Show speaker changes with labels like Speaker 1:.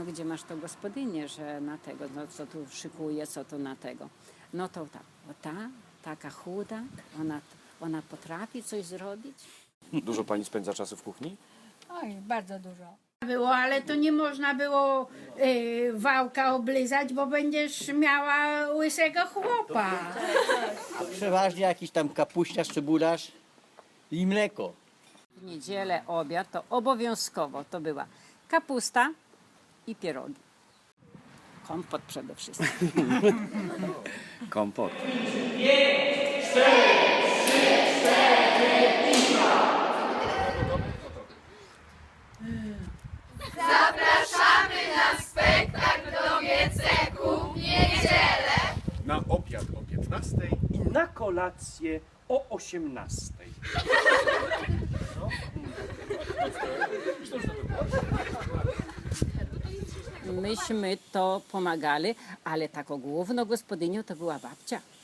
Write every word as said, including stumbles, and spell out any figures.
Speaker 1: gdzie masz to gospodynię, że na tego, no, co tu szykuje, co tu na tego. No to ta, o ta, taka chuda, ona, ona potrafi coś zrobić.
Speaker 2: Dużo pani spędza czasu w kuchni?
Speaker 3: Oj, bardzo dużo.
Speaker 4: Było, ale to nie można było y, wałka oblizać, bo będziesz miała łysego chłopa.
Speaker 5: Przeważnie jakiś tam kapuściarz, cebularz i mleko.
Speaker 1: W niedzielę obiad to obowiązkowo to była kapusta i pierogi. Kompot przede wszystkim.
Speaker 5: Kompot.
Speaker 6: Na obiad o piętnastej i na kolację o osiemnastej.
Speaker 1: Myśmy to pomagali, ale taką główną gospodynią to była babcia.